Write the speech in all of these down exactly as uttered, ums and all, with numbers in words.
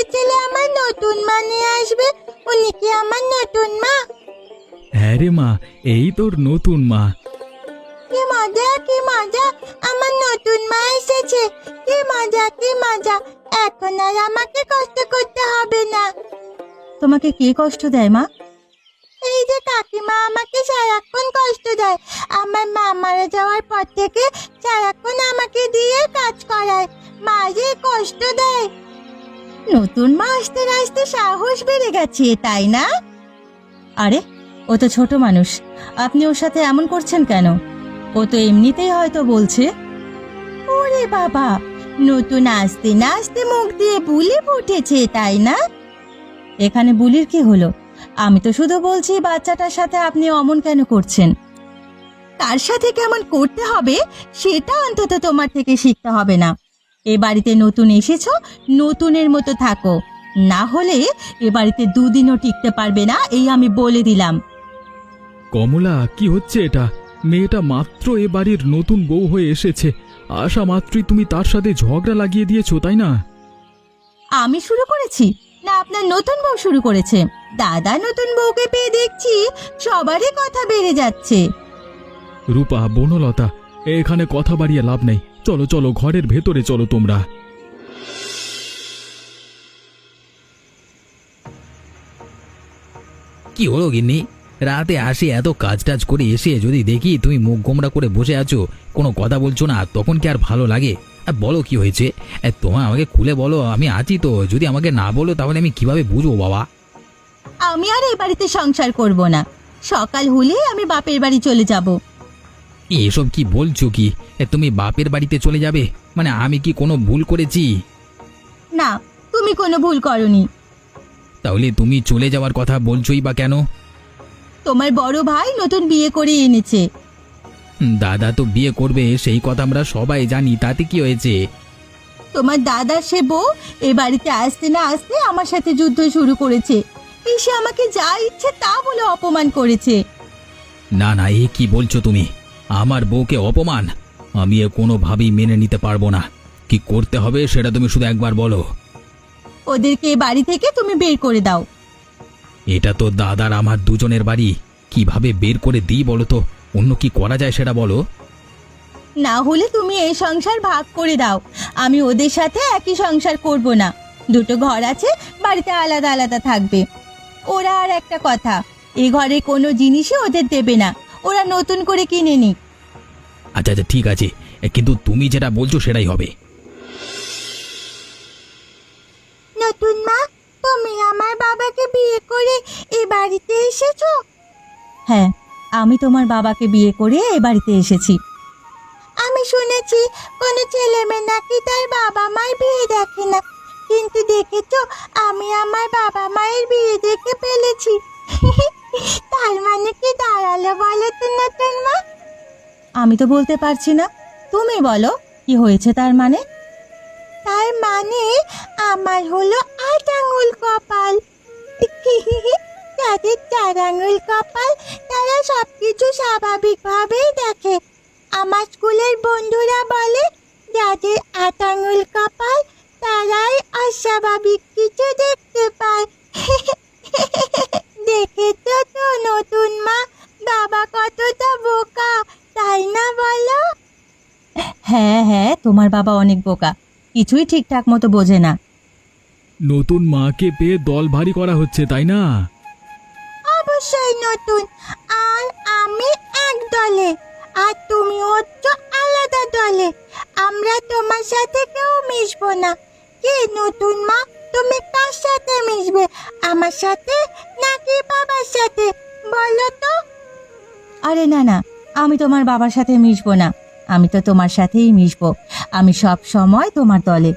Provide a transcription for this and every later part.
ছেলে আমার নতুন মা নিয়ে আসবে, উনি কি আমার নতুন মা? হ্যাঁ রে মা, এই তোর নতুন মা। কি মজা কি মজা, আমার নতুন মা এসেছে। কি মজা কি মজা, এখন আর আমাকে কষ্ট করতে হবে না। তোমাকে কে কষ্ট দেয় মা? এই যে কাকিমা আমাকে সারাক্ষণ কষ্ট দেয়। আমার মা মারা যাওয়ার পর থেকে সারাক্ষণ আমাকে দিয়ে কাজ করায়। মা যে কষ্ট দেয়। নতুন মা আসতে না আসতে সাহস বেড়ে গেছে, তাই না? আরে ও তো ছোট মানুষ, আপনি ওর সাথে এমন করছেন কেন? ও তো এমনিতেই হয়তো বলছে। ওরে বাবা, নতুন আসতে না আসতে মুখ দিয়ে বুলি ফুটেছে, তাই না? এখানে বুলির কি হলো? আমি তো শুধু বলছি বাচ্চাটার সাথে আপনি অমন কেন করছেন। কার সাথে কেমন করতে হবে সেটা অন্তত তোমার থেকে শিখতে হবে না। এ বাড়িতে নতুন এসেছো, নতুনের মতো থাকো, না হলে এ বাড়িতে দুদিনও টিকতে পারবে না, এই আমি বলে দিলাম। কমলা, কি হচ্ছে এটা? মেয়েটা মাত্র এ বাড়ির নতুন বউ হয়ে এসেছে, আসা মাত্রই তুমি তার সাথে ঝগড়া লাগিয়ে দিয়েছো, তাই না? আমি শুরু করেছি না আপনার নতুন বউ শুরু করেছে? দাদা নতুন বউকে পেয়ে দেখছি সবারই কথা বেড়ে যাচ্ছে। রূপা, বনলতা, এখানে কথা বাড়িয়ে লাভ নেই, চলো চলো ঘরের ভেতরে চলো তোমরা। কি হলো গিন্নি? রাতে আসি এত কাজ টাজ করে এসে যদি দেখি তুমি মুখ গোমরা করে বসে আছো, কোনো কথা বলছো না, তখন কি আর ভালো লাগে? আর বলো কি হয়েছে, তোমার আমাকে খুলে বলো, আমি আছি তো। যদি আমাকে না বলো তাহলে আমি কিভাবে বুঝবো বাবা? আমি আর এই বাড়িতে সংসার করব না, সকাল হলে আমি বাপের বাড়ি চলে যাব। এসব কি বলছো কি? তুমি বাপের বাড়িতে চলে যাবে? মানে আমি কি কোনো ভুল করেছি? না, তুমি কোনো ভুল করনি। তাহলে তুমি চলে যাওয়ার কথা বলছোই বা কেন? তোমার বড় ভাই নতুন বিয়ে করে এনেছে। দাদা তো বিয়ে করবে, সেই কথা আমরা সবাই জানি, তাতে কি হয়েছে? তোমার দাদার সে বউ এ বাড়িতে আসতে না আসতে আমার সাথে যুদ্ধ শুরু করেছে, এসে আমাকে যা ইচ্ছে তা বলে অপমান করেছে। না না, এ কি বলছো তুমি? আমার বউকে অপমান? আমি এ কোনোভাবেই মেনে নিতে পারবো না। কি করতে হবে সেটা তুমি শুধু একবার বলো। ওদেরকে এ বাড়ি থেকে তুমি বের করে দাও। এটা তো দাদার আমার দুজনের বাড়ি, কিভাবে বের করে দিই বলো তো? অন্য কি করা যায় সেটা বলো। না হলে তুমি এই সংসার ভাগ করে দাও, আমি ওদের সাথে একই সংসার করব না। দুটো ঘর আছে, বাড়িতে আলাদা আলাদা থাকবে। ওরা আর একটা কথা, এই ঘরে কোনো জিনিসই ওদের দেবে না, ওরা নতুন করে কিনে নিক। আচ্ছা আচ্ছা ঠিক আছে, কিন্তু তুমি যেটা বলছো সেটাই হবে। নতুন মা, তুমি আমার বাবাকে বিয়ে করে এই বাড়িতে এসেছো? হ্যাঁ, আমি তোমার বাবাকে বিয়ে করে এ বাড়িতে এসেছি। আমি শুনেছি কোনো ছেলে মেয়ে নাকি তার বাবা মায়ের বিয়ে দেখে না, কিন্তু দেখেছো আমি আমার বাবা মায়ের বিয়ে দেখে ফেলেছি। তার মানে কি দাঁড়ালো বলো তো নতুন মা? আমি তো বলতে পারছি না, তুমি বলো কি হয়েছে তার মানে? তার মানে আমার হলো আট আঙুল কপাল। যাদের চার আঙুল কপাল তারা সবকিছু স্বাভাবিকভাবেই দেখে। আমার স্কুলের বন্ধুরা বলে যাদের আট আঙুল কপাল তারাই অস্বাভাবিক কিছু দেখতে পায়। দেখেছো তো নতুন মা, বাবা কতটা বোকা, তাই না বলো? হ্যাঁ হ্যাঁ, তোমার বাবা অনেক বোকা, কিছুই ঠিকঠাক মতো বোঝে না। নতুন মাকে পেয়ে দল ভারী করা হচ্ছে, তাই না? অবশ্যই নতুন, আর আমি এক দলে, আর তুমি হচ্ছ আলাদা দলে। আমরা তোমার সাথে কেউ মিশবো না। কি নতুন মা, তুমি কার সাথে মিশবে, আমার সাথে নাকি বাবার সাথে বলো তো? আরে না না, আমি তোমার বাবার সাথে মিশবো না, আমি তো তোমার সাথেই মিশবো। আমি সব সময় তোমার দলে।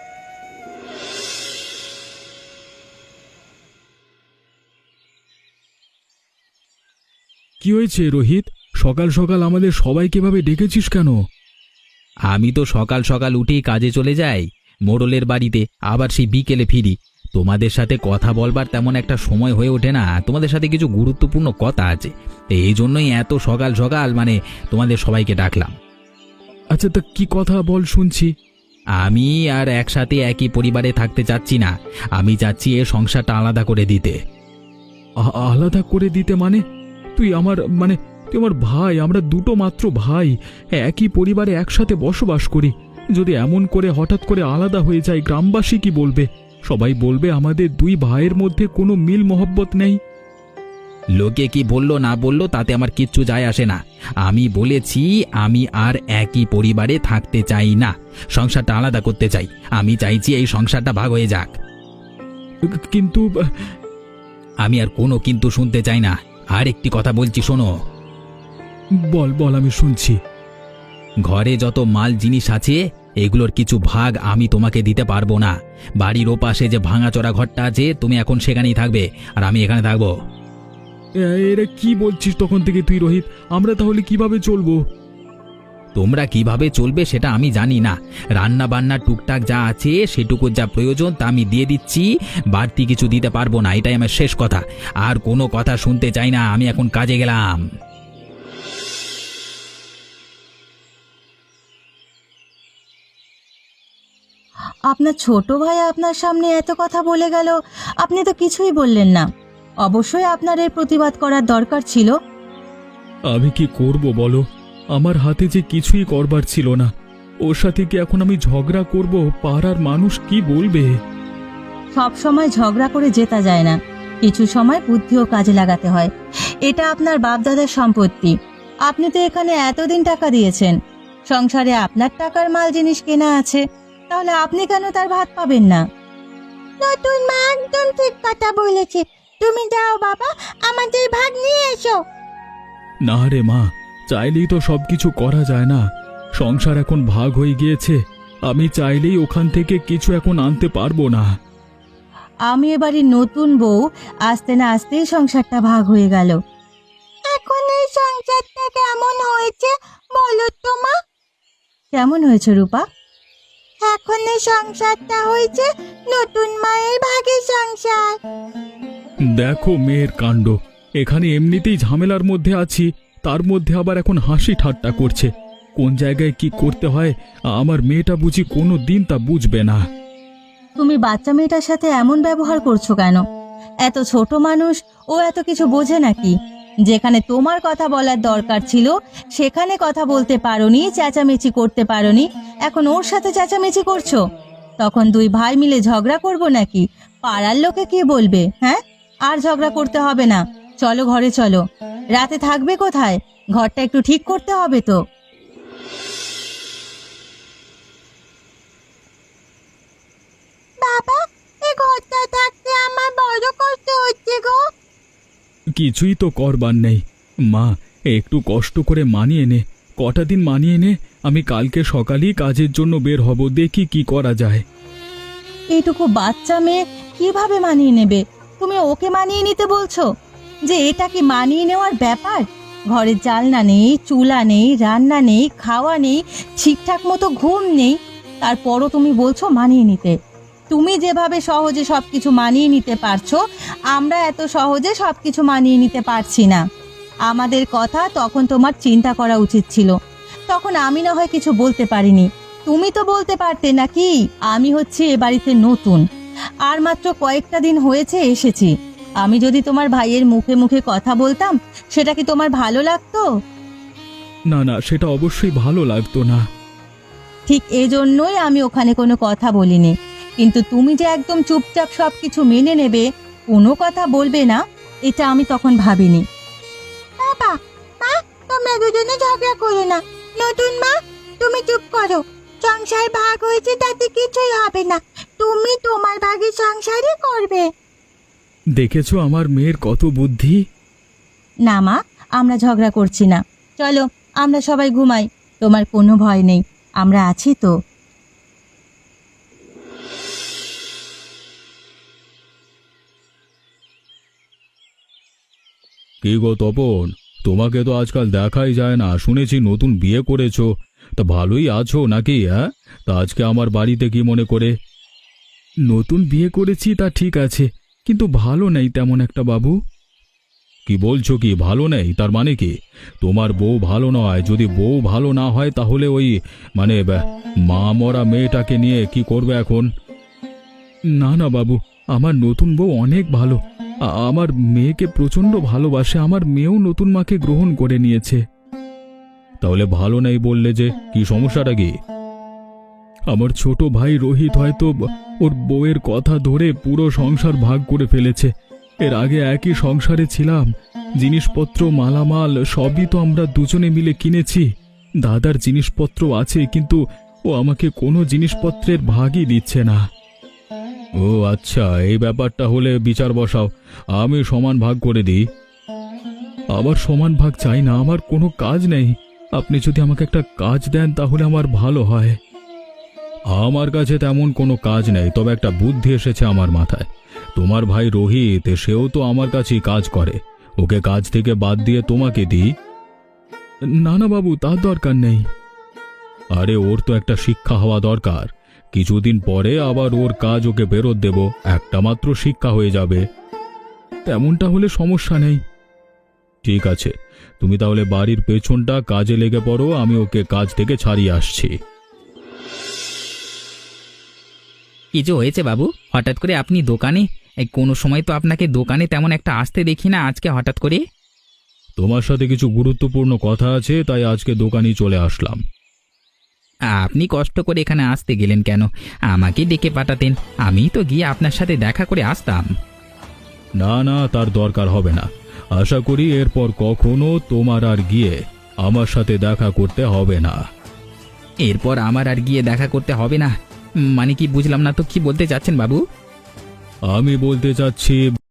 কি হয়েছে রোহিত? সকাল সকাল আমাদের সবাইকে ভাবে ডেকেছিস কেন? আমি তো সকাল সকাল উঠেই কাজে চলে যাই মোড়লের বাড়িতে, আবার সেই বিকেলে ফিরি। তোমাদের সাথে কথা বলবার তেমন একটা সময় হয়ে ওঠে না, তোমাদের সাথে কিছু গুরুত্বপূর্ণ কথা আছে, এই জন্যই এত সকাল সকাল মানে তোমাদের সবাইকে ডাকলাম। আচ্ছা, তা কি কথা বল শুনছি। আমি আর একসাথে একই পরিবারে থাকতে চাচ্ছি না। আমি চাচ্ছি এ সংসারটা আলাদা করে দিতে। আ- আলাদা করে দিতে মানে? তুই আমার মানে তুই আমার ভাই, আমরা দুটো মাত্র ভাই, একই পরিবারে একসাথে বসবাস করি। যদি এমন করে হঠাৎ করে আলাদা হয়ে যায়, গ্রামবাসী কি বলবে? সবাই বলবে আমাদের দুই ভাইয়ের মধ্যে কোনো মিল মহব্বত নেই। লোকে কি বললো না বললো তাতে আমার কিচ্ছু যায় আসে না। আমি বলেছি আমি আর একই পরিবারে থাকতে চাই না, সংসারটা আলাদা করতে চাই। আমি চাইছি এই সংসারটা ভাগ হয়ে যাক। কিন্তু আহ, আমি আর কোনো কিন্তু শুনতে চাই না। আর একটি কথা বলছি, শোনো। বল বল, আমি শুনছি। ঘরে যত মাল জিনিস আছে এগুলোর কিছু ভাগ আমি তোমাকে দিতে পারবো না। বাড়ির ওপাশে যে ভাঙাচোরা ঘরটা আছে তুমি এখন সেখানেই থাকবে, আর আমি এখানে থাকবো। এ- এরা কি বলছিস তখন থেকে তুই, রোহিত? আমরা তাহলে কিভাবে চলবো? তোমরা কিভাবে চলবে সেটা আমি জানি না। রান্না বান্না টুকটাক যা আছে সেটুকু যা প্রয়োজন তা আমি দিয়ে দিচ্ছি, বাড়তি কিছু দিতে পারবো না, এটাই আমার শেষ কথা। আর কোনো কথা শুনতে চাই না, আমি এখন কাজে গেলাম। আপনার ছোট ভাই আপনার সামনে এত কথা বলে গেল, আপনি তো কিছুই বললেন না। অবশ্যই আপনার এর প্রতিবাদ করার দরকার ছিল। আমি কি করব বলো? আমার হাতে যে কিছুই করবার ছিল না। ওর সাথে কি এখন আমি ঝগড়া করব? পাড়ার মানুষ কি বলবে? সব সময় ঝগড়া করে জেতা যায় না, কিছু সময় বুদ্ধিও কাজে লাগাতে হয়। এটা আপনার বাপদাদার সম্পত্তি। আপনি তো এখানে এতদিন টাকা দিয়েছেন, সংসারে আপনার টাকার মাল জিনিস কেনা আছে, তাহলে আপনি কেন তার ভাত পাবেন না? নতুন মা একদম ঠিক কথা বলেছে। তুমি যাও বাবা, আমাদের ভাগ নিয়ে এসো। না রে মা, চাইলেই তো সবকিছু করা যায় না। সংসার এখন ভাগ হয়ে গিয়েছে, আমি চাইলেই ওখান থেকে কিছু এখন আনতে পারবো না। আমি এবারে নতুন বউ, আসতে না আসতেই সংসারটা ভাগ হয়ে গেল। এখন এই সংসারটা কেমন হয়েছে বলো তো মা? কেমন হয়েছে রূপা? এখন এই সংসারটা হয়েছে নতুন মায়ের ভাগের সংসার। দেখো মেয়ের কাণ্ড, এখানে এমনিতেই ঝামেলার মধ্যে আছি, তার মধ্যে আবার এখন হাসি ঠাট্টা করছে। কোন জায়গায় কি করতে হয় আমার মেয়েটা বুঝি কোনো দিন তা বুঝবে না। তুমি বাচ্চা মেয়েটার সাথে এমন ব্যবহার করছো কেন? এত ছোট মানুষ, ও এত কিছু বোঝে নাকি? যেখানে তোমার কথা বলার দরকার ছিল সেখানে কথা বলতে পারোনি, চেঁচামেচি করতে পারোনি, এখন ওর সাথে চেঁচামেচি করছো। তখন দুই ভাই মিলে ঝগড়া করবো নাকি? পাড়ার লোকে কি বলবে? হ্যাঁ, আর ঝগড়া করতে হবে না, চলো ঘরে চলো। রাতে থাকবে কোথায়? ঘরটা একটু ঠিক করতে হবে তো। বাবা, এই ঘরটা থাকতে আমার বড় কষ্ট হচ্ছে গো। কিছুই তো করবার নেই মা, একটু কষ্ট করে মানিয়ে নে। কটা দিন মানিয়ে নে, আমি কালকে সকালেই কাজের জন্য বের হব, দেখি কি করা যায়। এইটুকু বাচ্চা মেয়ে কিভাবে মানিয়ে নেবে? তুমি ওকে মানিয়ে নিতে বলছো? যে এটা কি মানিয়ে নেওয়ার ব্যাপার? ঘরে জালনা নেই, চুলা নেই, রান্না নেই, খাওয়া নেই, ঠিকঠাক মতো ঘুম নেই, তারপরও তুমি বলছো মানিয়ে নিতে। তুমি যেভাবে সহজে সবকিছু মানিয়ে নিতে পারছো, আমরা এত সহজে সবকিছু মানিয়ে নিতে পারছি না। আমাদের কথা তখন তোমার চিন্তা করা উচিত ছিল। তখন আমি না হয় কিছু বলতে পারিনি, তুমি তো বলতে পারতে নাকি? আমি হচ্ছে এ বাড়িতে নতুন, আর মাত্র কয়েকটা দিন হয়েছে এসেছি। আমি যদি তোমার ভাইয়ের মুখে মুখে কথা বলতাম, সেটা কি তোমার ভালো লাগতো? না না, সেটা অবশ্যই ভালো লাগতো না। ঠিক এজন্যই আমি ওখানে কোনো কথা বলিনি। কিন্তু তুমি যে একদম চুপচাপ সবকিছু মেনে নেবে, কোনো কথা বলবে না, এটা আমি তখন ভাবিনি। বাবা, মা, তোমরা দুজনে ঝগড়া করো না। নতুন মা, তুমি চুপ করো। সংসার ভাগ হয়েছে তাতে কিছুই হবে না, তুমি তোমার ভাগের সংসারই করবে। দেখেছো আমার মেয়ের কত বুদ্ধি। না মা, আমরা ঝগড়া করছি না, চলো আমরা সবাই ঘুমাই। তোমার কোনো ভয় নেই, আমরা আছি তো। কি গো তপন, তোমাকে তো আজকাল দেখাই যায় না, শুনেছি নতুন বিয়ে করেছো। তা ভালোই আছো নাকি? হ্যাঁ, তা আজকে আমার বাড়িতে কি মনে করে? নতুন বিয়ে করেছি তা ঠিক আছে, কিন্তু ভালো নেই তেমন একটা বাবু। কি বলছো, কি ভালো নেই তার মানে কি? তোমার বউ ভালো নয়, যদি বউ ভালো না হয় তাহলে ওই মানে ব্যাহ, মা মরা মেয়েটাকে নিয়ে কি করবে এখন? না না বাবু, আমার নতুন বউ অনেক ভালো। আ- আমার মেয়েকে প্রচণ্ড ভালোবাসে, আমার মেয়েও নতুন মাকে গ্রহণ করে নিয়েছে। তাহলে ভালো নেই বললে যে, কি সমস্যাটা কি? আমার ছোট ভাই রোহিত হয়তো ব- ওর বউয়ের কথা ধরে পুরো সংসার ভাগ করে ফেলেছে। এর আগে একই সংসারে ছিলাম, জিনিসপত্র মালামাল সবই তো আমরা দুজনে মিলে কিনেছি। দাদার জিনিসপত্র আছে, কিন্তু ও আমাকে কোনো জিনিসপত্রের ভাগই দিচ্ছে না। ও আচ্ছা, এই ব্যাপারটা হলে বিচার বসাও, আমি সমান ভাগ করে দিই। আবার সমান ভাগ চাই না, আমার কোনো কাজ নেই। আপনি যদি আমাকে একটা কাজ দেন তাহলে আমার ভালো হয়। আমার কাছে তেমন কোনো কাজ নেই, তবে একটা বুদ্ধি এসেছে আমার মাথায়। তোমার ভাই রোহিত, সেও তো আমার কাছেই কাজ করে, ওকে কাজ থেকে বাদ দিয়ে তোমাকে দিই। না না বাবু, তার দরকার নেই। আরে ওর তো একটা শিক্ষা হওয়া দরকার, কিছুদিন পরে আবার ওর কাজ ওকে ফেরত দেব, একটা মাত্র শিক্ষা হয়ে যাবে। তেমনটা হলে সমস্যা নেই। ঠিক আছে, তুমি তাহলে বাড়ির পেছনটা কাজে লেগে পড়ো, আমি ওকে কাজ থেকে ছাড়িয়ে আসছি। কিছু হয়েছে বাবু? হঠাৎ করে আপনি দোকানে? এই কোনো সময় তো আপনাকে দোকানে তেমন একটা আসতে দেখি না, আজকে হঠাৎ করে? তোমার সাথে কিছু গুরুত্বপূর্ণ কথা আছে, তাই আজকে দোকানেই চলে আসলাম। আপনি কষ্ট করে এখানে আসতে গেলেন কেন? আমাকে ডেকে পাঠাতেন, আমি তো গিয়ে আপনার সাথে দেখা করে আসতাম। না না, তার দরকার হবে না। আশা করি এরপর কখনো তোমার আর গিয়ে আমার সাথে দেখা করতে হবে না। এরপর আমার আর গিয়ে দেখা করতে হবে না? উম, মানে কি বুঝলাম না তো, কি বলতে চাচ্ছেন বাবু? আমি বলতে চাচ্ছি